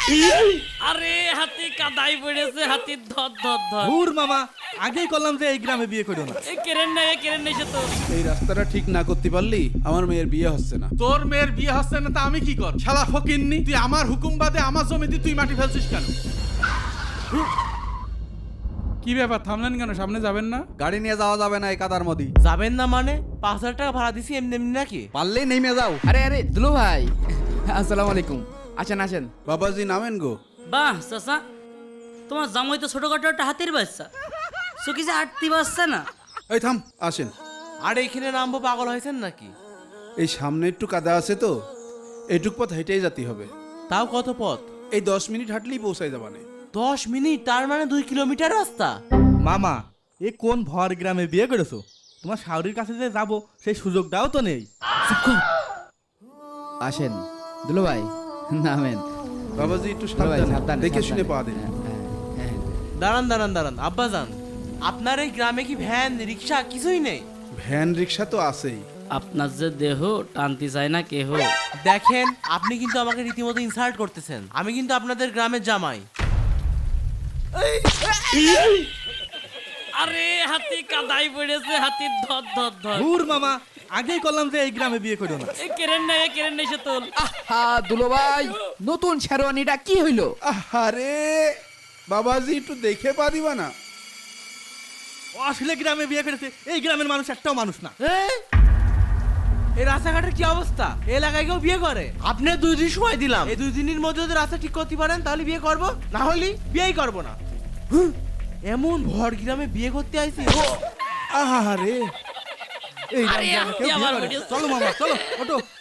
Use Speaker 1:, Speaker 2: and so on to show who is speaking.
Speaker 1: আরে হাতি কাদাই পড়েছে, হাতির ধর ধর ধর।
Speaker 2: দূর মামা, আগেই করলাম যে এই গ্রামে বিয়ে করো না।
Speaker 1: এই কেরেন নাই সে তো।
Speaker 3: এই রাস্তাটা ঠিক না করতে পারলি আমার মেয়ের বিয়ে হচ্ছে না।
Speaker 4: তোর মেয়ের বিয়ে হচ্ছে না তা আমি কি কর? শালা ফকিন্নি, তুই আমার হুকুম বাদে আমার জমিতে তুই মাটি ফেলছিস কেন? কি ব্যাপার, থামলেন কেন? সামনে যাবেন না?
Speaker 3: গাড়ি নিয়ে যাওয়া যাবে না এই কাদার মধ্যে।
Speaker 5: যাবেন না মানে? 5,000 টাকা ভাড়া দিছি এমনি এমনি নাকি?
Speaker 3: পারলেই নেমে যাও।
Speaker 6: আরে দুলু ভাই, আসসালামু আলাইকুম। আসেন।
Speaker 3: বাবাজি নামেন গো।
Speaker 1: বাহ চাচা, তোমার জামাই তো ছোটখাটো একটা হাতির বাচ্চা, চুকি যে আটতি বাচ্চা না।
Speaker 3: এই থাম, আসেন।
Speaker 5: আর এখানে নামবো, পাগল হয়েছেন নাকি?
Speaker 3: এই সামনে একটু কাদা আছে তো, এইটুক পথ হেঁটেই যেতে হবে।
Speaker 5: তাও কত পথ?
Speaker 3: এই 10 মিনিট হাঁটলেই পৌঁছাই যাবানে।
Speaker 5: 10 মিনিট, তার মানে 2 কিলোমিটার রাস্তা।
Speaker 2: মামা, এ কোন ভর গ্রামে বিয়ে করেছো? তোমার শাওরির কাছে যে যাবো সেই সুযোগটাও তো নেই।
Speaker 6: আসেন দুলু ভাই, নামেন।
Speaker 3: বাবাজি একটু
Speaker 6: দুলু ভাই,
Speaker 3: সাবধানে
Speaker 6: সাবধানে,
Speaker 3: দেখে
Speaker 6: সাবধানে।
Speaker 3: শুনে পা দিন।
Speaker 6: হ্যাঁ।
Speaker 5: দাঁড়ান আব্বাজান, আপনার এই গ্রামে কি ভ্যান রিক্সা কিছুই নেই?
Speaker 3: ভ্যান রিক্সা তো আছেই।
Speaker 1: আপনার যে দেহ টানতে চায় না কেহ।
Speaker 5: দেখেন, আপনি কিন্তু আমাকে রীতিমতো ইনসাল্ট করতেছেন। আমি কিন্তু আপনাদের গ্রামের জামাই।
Speaker 1: আরে হাতি কাদাই পড়েছে, হাতির ধর ধর ধর।
Speaker 2: দূর মামা, আগেই করলাম যে এই গ্রামে বিয়ে করো না।
Speaker 1: এই কেরেন নাই সে তো।
Speaker 6: হ্যাঁ দুলু ভাই, নতুন শেরওয়ানিটা কি হইলো?
Speaker 3: আরে বাবাজি একটু দেখে পা দিবা না?
Speaker 2: ও আসলে গ্রামে বিয়ে করেছে, এই গ্রামের মানুষ একটাও মানুষ না।
Speaker 5: এই রাস্তাঘাটের কি অবস্থা? এই এলাকায় কেউ বিয়ে করে? আপনি 2 দিন সময় দিলাম, এই 2 দিনের মধ্যে যদি রাস্তা ঠিক করতে পারেন তাহলে বিয়ে করব, না হলে বিয়েই করব না। এমন ভর গ্রামে বিয়ে করতে আইছি।
Speaker 3: আরে
Speaker 2: এই
Speaker 1: আরে
Speaker 2: গ্রামে কেউ
Speaker 1: হাতি
Speaker 2: বিয়ে
Speaker 1: আবার
Speaker 2: করে?
Speaker 1: পড়েছে।
Speaker 2: চলো মামা, চলো ওঠো।